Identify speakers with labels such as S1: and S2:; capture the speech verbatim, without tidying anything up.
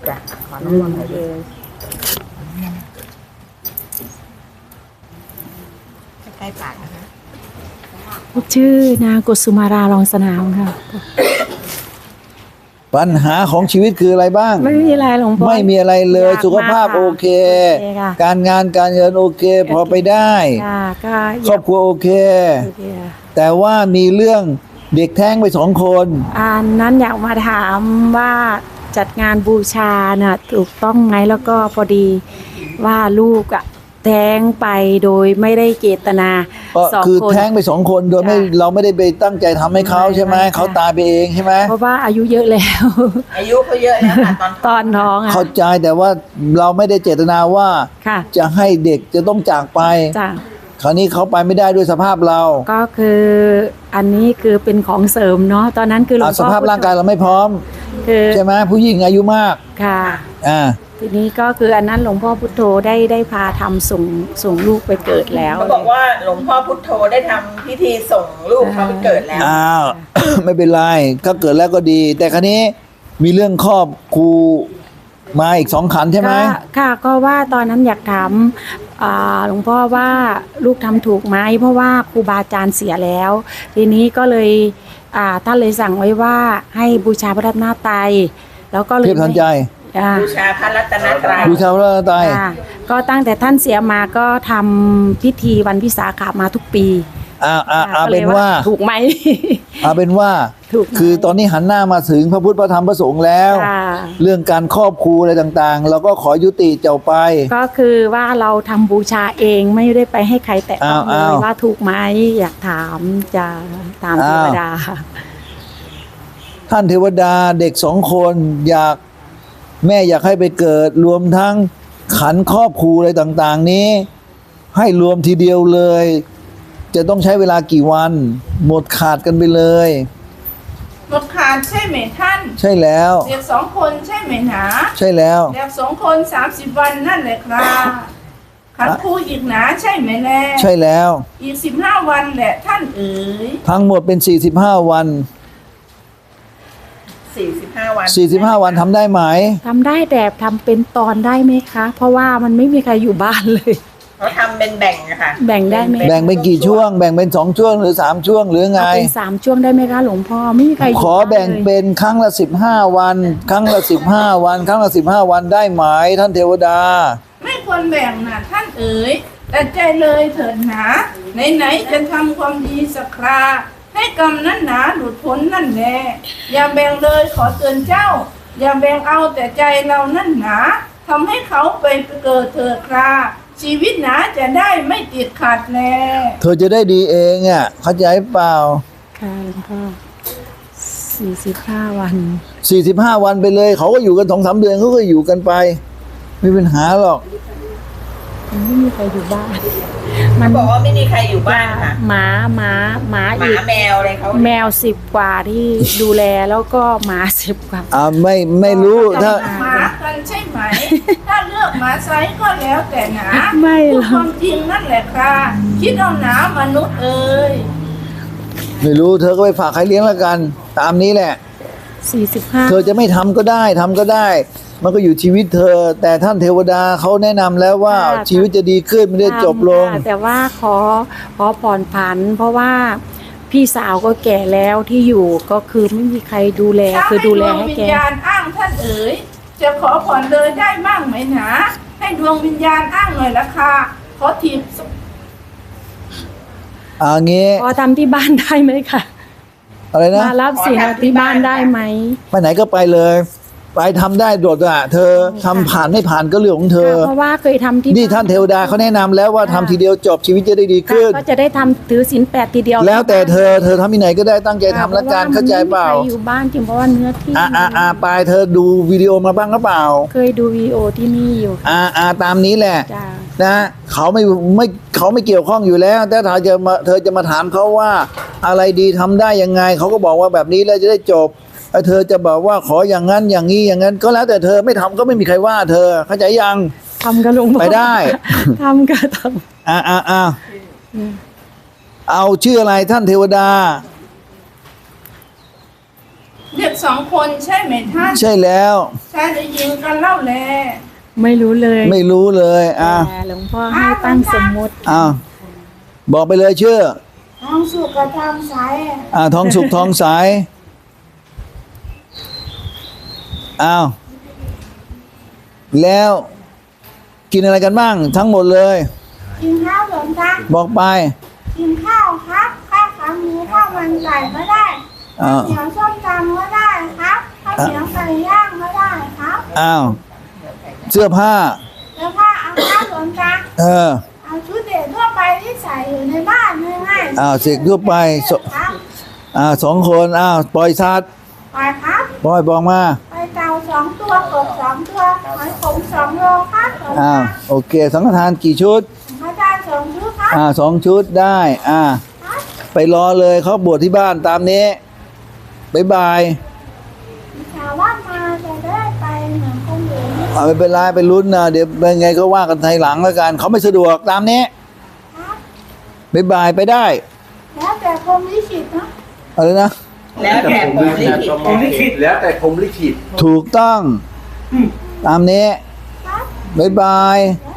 S1: จ้ะขอน้ำมนต์หน่อยดิใกล้ปากนะคะ
S2: ชื่อนางกุสุมารารองสนามค่ะ
S3: ปัญหาของชีวิตคืออะไรบ้าง
S2: ไม่มีอะไรหลวงพ่อ
S3: ไม่มีอะไรเลย
S2: อยาก
S3: สุขภาพ
S2: มากค่ะ
S3: โอเค
S2: โอเคค่ะ
S3: การงานการเงินโอเค พอไปได้
S2: ค่ะก็อ
S3: คร
S2: ยา
S3: อก บครัวโอเค
S2: โอเคค่ะ
S3: แต่ว่ามีเรื่องเด็กแท้งไปสองคน
S2: อันนั้นอยากมาถามว่าจัดงานบูชาน่ะถูกต้องไหมแล้วก็พอดีว่าลูกอะแท้งไปโดยไม่ได้เจตนา
S3: ก็
S2: สอง
S3: คือ
S2: คน
S3: แท้งไปสองคนโดยไม่
S2: จ้ะ
S3: เราไม่ได้ไปตั้งใจทำให้เขา
S2: ไม่
S3: ใช่ไหม
S2: ไม่
S3: เขาตายไปเองใช่ไหม
S2: เพราะว่าอายุเยอะแล้ว
S1: อายุเขาเยอะแล้วค่ะตอน
S2: ตอนท้องอ่ะ
S3: เข้าใจแต่ว่าเราไม่ได้เจตนาว่า
S2: ค่ะ
S3: จะให้เด็กจะต้องจากไป
S2: จ้ะ
S3: คราวนี้เขาไปไม่ได้ด้วยสภาพเรา
S2: ก็คืออันนี้คือเป็นของเสริมเนาะตอนนั้นคือหลว
S3: อ่ะ
S2: ง
S3: ส
S2: พ่อ
S3: ภาพร่างกายเราไม่พร้อม
S2: คือ
S3: ใช่ไหมผู้หญิงอายุมาก
S2: ค่ะ
S3: อ่า
S2: ทีนี้ก็คืออันนั้นหลวงพ่อพุทโธได้ได้พาทำส่งส่งลูกไปเกิดแล้ว
S1: เขาบอกว่าหลวงพ่อพุทโธได้ทำพิธีส่งลูกเขาไปเกิดแล้ว
S3: อ้าว ไม่เป็นไรก็เกิดแล้วก็ดี แต่คราวนี้มีเรื่องครอบครูมาอีกสองขันใช่ไหม
S2: ก็ค่ะก็ว่าตอนนั้นอยากถามอ่าหลวงพ่อว่าลูกทำถูกไหมเพราะว่าครูบาอาจารย์เสียแล้ว ทีนี้ก็เลยอ่าท่านเลยสั่งไว้ว่าให้บูชาพระรัตนตรัยแล้วก็เลย
S3: เทพทันใจ
S2: อ่า
S1: บูชาพระรัตนตรัย
S3: บูชาพระรัตนตรัย
S2: ค่ะก็ตั้งแต่ท่านเสียมาก็ทำพิธีวันวิสาขมาทุกปี
S3: อ่าอ่า
S2: ค่ะ
S3: อ่า
S2: ก็ล
S3: เป็
S2: ย
S3: นว่า
S2: ถูกไหม
S3: เอาเป็นว่า
S2: ถูกไหม
S3: คือตอนนี้หันหน้ามาถึงพระพุทธพระธรรมพระสงฆ์แล้ว
S2: ค่ะ
S3: เรื่องการครอบครูอะไรต่างๆ เราก็ขอยุติเจ้าไป
S2: ก็คือว่าเราทำบูชาเองไม่ได้ไปให้ใครแตะต้องเล
S3: อ้าวย อ้าว
S2: ว่าถูกไหมอยากถามจะถามเท
S3: อ้าว
S2: วดา
S3: ท่านเทวดาเด็กสองคนอยากแม่อยากให้ไปเกิด รวมทั้งขันครอบครูอะไรต่างๆนี้ ให้รวมทีเดียวเลย จะต้องใช้เวลากี่วัน หมดขาดกันไปเลย
S4: หมดขาดใช่ไหมท่าน
S3: ใช่แล้ว
S4: เด็กสองคนใช่ไหมหนา
S3: ใช่แล้ว
S4: เด็กสองคนสามสิบวันนั่นแหละครับขันครูอีกหนาใช่ไหมแน่
S3: ใช่แล้ว
S4: อีกสิบห้าวันแหละท่านเอ๋ย
S3: ทั้งหมดเป็นสี่สิบห้าวัน
S1: สี่สิบห้าวัน
S3: สี่สิบห้าวันทำได้ไหม
S2: ทำได้แต่ทำเป็นตอนได้ไหมคะ เพราะว่ามันไม่มีใครอยู่บ้านเลย
S1: เขาทำเป็นแบ่งอะค่ะ
S2: แบ่งได้ไหม
S3: แบ่งเป็นกี่ช่วง แบ่งเป็นสองช่วงหรือสามช่วงหรือไง
S2: เอาเป็นสามช่วงได้ไหมคะหลวงพ่อไม่มีใครอยู่
S3: ขอ
S2: บ้าน
S3: แบ่ง
S2: เลย
S3: เป็นครั้งละสิบห้าวัน ครั้งละสิบห้าวัน ครั้งละสิบห้าวันได้ไหมท่านเทวดา
S4: ไม่ควรแบ่งนะท่านเอ๋ยแต่ใจเลยเถิดหนาไหนๆจะทำความดีสักคราให้กรรมนั้นหนาหลุดพ้นนั่นแหละอย่าแบ่งเลยขอเตือนเจ้า อย่าแบ่งเอาแต่ใจเรานั่นหนาทำให้เขาไปเกิดเถิดคราชีวิตหนาจะได้ไม่ติดขัดแล
S3: เธอจะได้ดีเองอ่ะเข้าใจเปล่า
S2: ค่ะหลวงพ่อสี่สิบห้าวัน
S3: สี่สิบห้าวันไปเลย เขาก็อยู่กันสองสามเดือนเขาก็อยู่กันไป ไม่เป็นปัญหาหรอก
S2: มันไม่มีใครอยู่บ้าน มั
S1: เขา
S2: น
S1: บอกว่าไม่มีใครอยู่บ้านค่ะ
S2: หมาหมาหมา
S1: หมา
S2: อีก
S1: แมวอะไรเขา
S2: แมวสิบกว่าที่ดูแลแล้วก็หมาสิบกว่า
S3: อ่าไม่ไม่รู้ถ้า
S4: หมากันใช่ไหม ถ้าเลือกหมาไซส์ก็แล้วแต่หนา
S2: ไม่ห
S4: พู
S2: ร
S4: ด
S2: อก
S4: ความจริงนั่นแหละค่ะคิดเอาหนามนุษย์เอ่ย
S3: ไม่รู้ เธอก็ไปฝากใครเลี้ยงแล้วกัน ตามนี้แหละ
S2: สี่สิบห้า
S3: เธอจะไม่ทำก็ได้ทำก็ได้ มันก็อยู่ชีวิตเธอ แต่ท่านเทวดาเขาแนะนำแล้วว่าชีวิตจะดีขึ้นไม่ได้จบลง
S2: แต่ว่าขอขอผ่อนผัน เพราะว่าพี่สาวก็แก่แล้วที่อยู่ก็คือไม่มีใครดูแล
S4: ถ้า
S2: คือ
S4: ให้
S2: ดู
S4: ด
S2: แล
S4: วง
S2: ให้
S4: วิญ
S2: แก
S4: ญาณอ้างท่านเอ๋ยจะขอผ่อนเลยได้บ้างไหมหนาให้ดวงวิญญาณอ้างหน่อยละค่ะขอทีบ
S3: อ่างี้
S2: พอทำที่บ้านได้ไหมคะ
S3: อะไรนะ
S2: มารับสินที่บ้านได้ไหม
S3: ไปไหนก็ไปเลย ไปทำได้โดดอ่ะ เธอทำผ่านไม่ผ่านก็เรื่องของเธอ
S2: เพราะว่าเคยทำที่
S3: นี่ท่านเทวดาเขาแนะนำแล้วว่าทำทีเดียวจบชีวิตจะได้ดีขึ้น
S2: ก็จะได้ทำถือศีลแปดทีเดียว
S3: แล้วแต่เธอเธอทำที่ไหนก็ได้ตั้งใจทำละกันเข้าใจเปล่า
S2: พระว่มันไม่มีใครอยู่บ้านจริงเพราะว่าเนื้อที่
S3: อ่าอ่าอ่าไปเธอดูวิดีโอมาบ้างหรือเปล่า
S2: เคยดูวีดีโอที่นี่อยู่
S3: อ่าอ่าตามนี้แหละ
S2: จ้า
S3: นะเขาไม่ไม่เขาไม่เกี่ยวข้องอยู่แล้ว แต่ถ้าจะมาเธอจะมาถามเขาว่าอะไรดีทำได้ยังไงเขาก็บอกว่าแบบนี้แล้วจะได้จบไอ้เธอจะบอกว่าขออย่างนั้นอย่างนี้อย่างนั้น ก็แล้วแต่เธอไม่ทำก็ไม่มีใครว่า เธอเข้าใจยัง
S2: ทำกับหลวงพ่อ
S3: ไปได้
S2: ทำกับท
S3: อ่าอ่าอ่า
S2: ำ
S3: เอาชื่ออะไรท่านเทวดา
S4: เด็กสองคนใช่ไหมท่าน
S3: ใช่แล้ว
S4: ชายหรือหญิงกันเล่าแล
S2: ไม่รู้เลย
S3: ไม่รู้เลยอ่ะ
S2: แต่หลวงพ่อให้ตั้งสมมุติ
S3: อ้าวบอกไปเลยชื่อ
S4: น้องสุกกับทำสาย
S3: อ่าทองสุกทองใสอ้าวแล้วกินอะไรกันบ้างทั้งหมดเลย
S4: กินข้าวหลวงตา
S3: บอกไป
S4: กินข้าวครับข้าวขาหมูข้าวมันไก่ก็ได้
S3: อ้าว
S4: เสียงส้มตำก็ได้ครับข้าวเสียงไก่ย่างก็ได้ครับ
S3: อ้าวเสื้อผ้า
S4: แล้วผ้าเอาครับหลวงตา
S3: เออ
S4: เอาชุดเด็กทั่วไปที่ใส่อยู่ในบ้านง่ายๆ
S3: อ้าวเสกทั่วไปส
S4: ครับ
S3: อ่าสองคนอ้าวปล่อยสัตว์
S4: ไปครับ
S3: ปล่อยบอกมา
S4: ไปเต่าสองตัวกบสองตัวหอยขมสองโลครับหลวง
S3: อ้าว
S4: ตา
S3: โอเคสังฆทานกี่ชุด
S4: พระอาจารย์สองชุดครับ
S3: อ่าสองชุดได้อ่า
S4: ครับ
S3: ไปรอเลยเขาบวชที่บ้านตามนี้บ๊ายบาย
S4: ถามว่ามาจะได้ไปเหมือนคนอื่นไหม
S3: เอาไม่เป็นไรไปลุ้นนะเดี๋ยวเป็นไงก็ว่ากันทีหลังแล้วกันเขาไม่สะดวกตามนี้
S4: ครับ
S3: บ๊ายบายไปได้
S4: แล้วแต่พรหมลิขิตเนาะ
S3: อะไรนะ
S1: แล้วแต่ผมลิขิต
S5: ผมลิขิตแล้วแต่ผมลิขิต
S3: ถูกต้องตามนี้
S4: ครับ
S3: บ๊ายบาย
S4: แล้ว